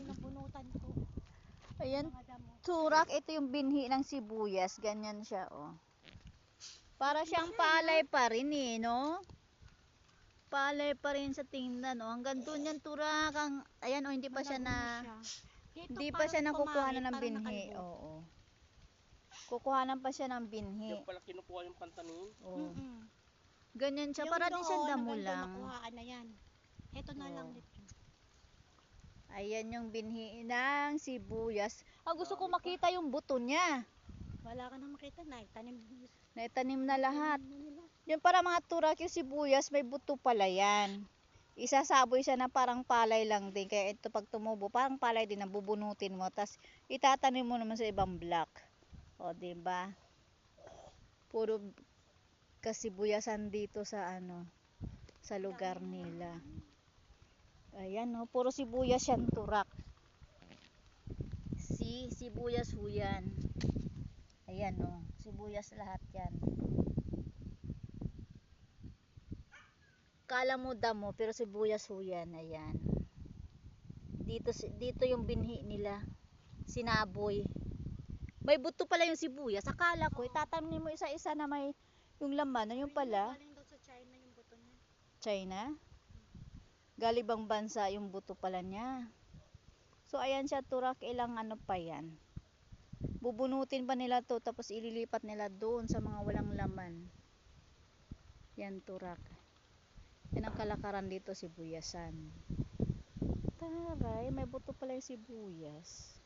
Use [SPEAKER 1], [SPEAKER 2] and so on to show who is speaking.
[SPEAKER 1] nabunutan ko.
[SPEAKER 2] Ayan,
[SPEAKER 1] Mga damo.
[SPEAKER 2] turak, ito yung binhi ng sibuyas. Ganyan siya, oh. Para siyang palay pa rin eh, no? Palay pa rin sa tingnan, oh. Hanggang doon yan, turak. Ayan, oh, hindi pa siya na...
[SPEAKER 1] Dito,
[SPEAKER 2] Hindi pa siya nakukuha ng
[SPEAKER 1] parang
[SPEAKER 2] binhi.
[SPEAKER 1] nakalbo.
[SPEAKER 2] Oo. Kukuhanan pa siya ng binhi.
[SPEAKER 3] Yung pala kinukuha yung pantanin.
[SPEAKER 2] Oo.
[SPEAKER 1] Mm-mm.
[SPEAKER 2] Ganyan siya,
[SPEAKER 1] Yung
[SPEAKER 2] para din siya
[SPEAKER 1] doon,
[SPEAKER 2] damo
[SPEAKER 1] hanggang doon,
[SPEAKER 2] lang.
[SPEAKER 1] nakuhaan na yan. Ito na lang
[SPEAKER 2] Oo.
[SPEAKER 1] dito.
[SPEAKER 2] Ayan yung binhi ng sibuyas. Gusto ko makita yung buto niya.
[SPEAKER 1] Wala ka na makita na, tanim.
[SPEAKER 2] Naitanim na lahat.
[SPEAKER 1] Na nila.
[SPEAKER 2] Yung para mga turak yung sibuyas, may buto pala yan. Isasaboy siya na parang palay lang din. Kaya ito pag tumubo, parang palay din na bubunutin mo. Tapos itatanim mo naman sa ibang block. O, diba? Puro kasibuyasan dito sa sa lugar nila. Ayan, no, puro sibuyas yan, turak. Sibuyas ho yan. Ayan, no, sibuyas lahat yan. Kala mo damo, pero sibuyas ho yan. Ayan. Dito yung binhi nila. Sinaboy. May buto pala yung sibuyas. Akala ko, itatanim mo isa-isa na may yung laman. Yung pala.
[SPEAKER 1] Galing daw sa China yung buto niya.
[SPEAKER 2] China? Galibang bansa yung buto pala niya. So, ayan siya, turak. Ilang pa yan. Bubunutin pa nila to, tapos ililipat nila doon sa mga walang laman. Yan, turak. Yan ang kalakaran dito, sibuyasan. Taray, may buto pala yung sibuyas.